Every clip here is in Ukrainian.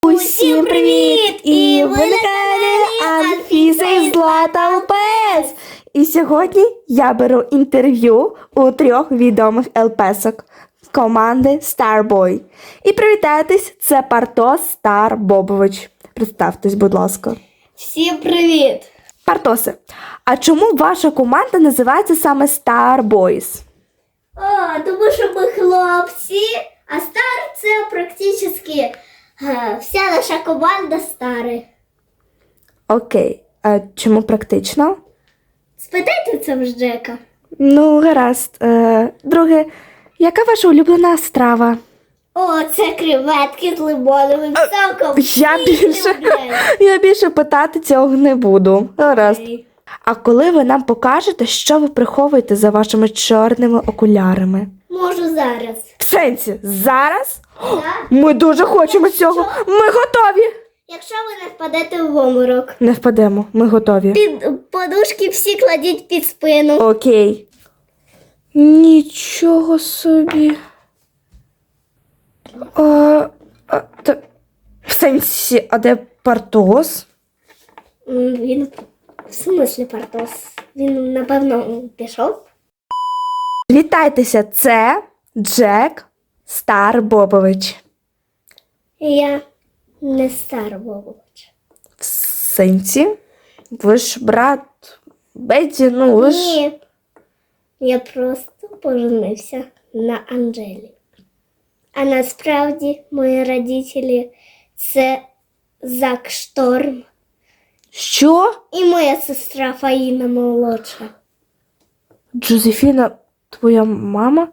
Усім привіт! І ви на каналі Анфіса і Злата ЛПС. І сьогодні я беру інтерв'ю у 3 відомих ЛПСок команди Starboy. І привітайтесь, це Партос Стар Бобович. Представтесь, будь ласка. Всім привіт! Партосе, а чому ваша команда називається саме Starboys? Тому що ми хлопці, а стар це практично вся наша команда стари. Окей, а чому практично? Спитайте це в Джека. Ну, гаразд. Друге, яка ваша улюблена страва? Це креветки з лимоновим соком. Я більше питати цього не буду. Гаразд. А коли ви нам покажете, що ви приховуєте за вашими чорними окулярами? Можу зараз. В сенсі, зараз? Так. Ми дуже хочемо цього. Ми готові. Якщо ви не впадете в обморок. Не впадемо, ми готові. Під подушки всі кладіть під спину. Окей. Нічого собі. В сенсі, а де Партос? Він, в смислі, Партос? Він, напевно, пішов? Вітайтеся, це Джек Стар Бобович. Я не Стар Бобович. В сенсі? Ви ж брат Бетті, ну ви ж... Ні, я просто поженився на Анжелі. А насправді мої родителі це Зак Шторм Що? і моя сестра Фаїна молодша. Джозефіна, твоя мама?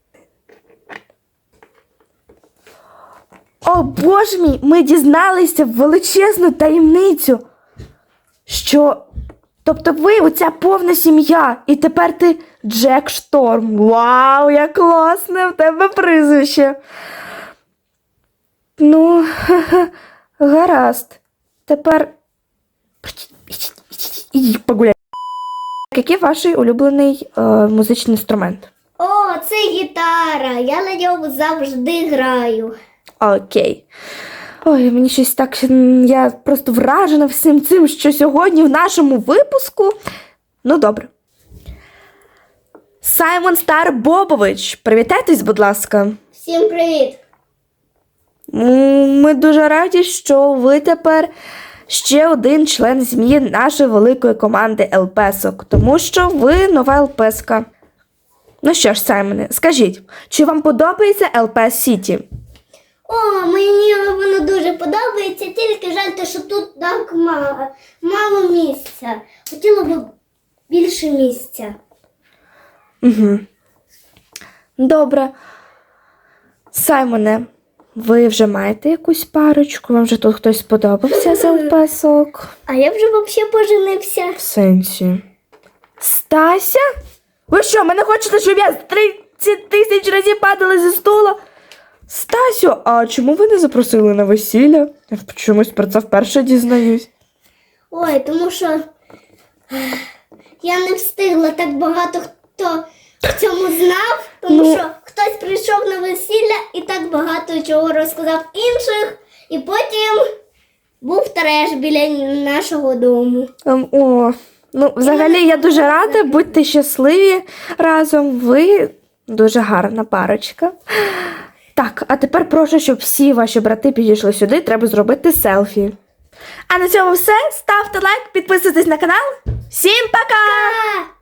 О, Боже мій, ми дізналися величезну таємницю. Що... Тобто ви оця повна сім'я, і тепер ти Джек Шторм. Вау, як класне в тебе прізвище. Ну, гаразд. Тепер ідіть погуляй. Який ваш улюблений музичний інструмент? Це гітара. Я на ньому завжди граю. Окей. Ой, мені щось так, я просто вражена всім цим, що сьогодні в нашому випуску. Ну, добре. Саймон Стар Бобович, привітайтесь, будь ласка. Всім привіт! Ми дуже раді, що ви тепер ще один член сім'ї нашої великої команди ЛПСок, тому що ви нова ЛПСка. Ну що ж, Саймоне, скажіть, чи вам подобається ЛПС Сіті? Мені воно дуже подобається, тільки жаль, що тут так мало місця. Хотіла б більше місця. Угу. Добре. Саймоне, ви вже маєте якусь парочку? Вам вже тут хтось сподобався з ЛПСок? А я вже взагалі поженився. В сенсі? Стася? Ви що, мене хочете, щоб я 30 тисяч разів падала зі стула? Стасю, а чому ви не запросили на весілля? Я чомусь про це вперше дізнаюсь. Тому що я не встигла, так багато хто в цьому знав, тому що хтось прийшов на весілля і так багато чого розказав інших, і потім був треш біля нашого дому. Взагалі я дуже рада, будьте щасливі разом, ви дуже гарна парочка. Так, а тепер прошу, щоб всі ваші брати підійшли сюди, треба зробити селфі. А на цьому все. Ставте лайк, підписуйтесь на канал. Всім пока!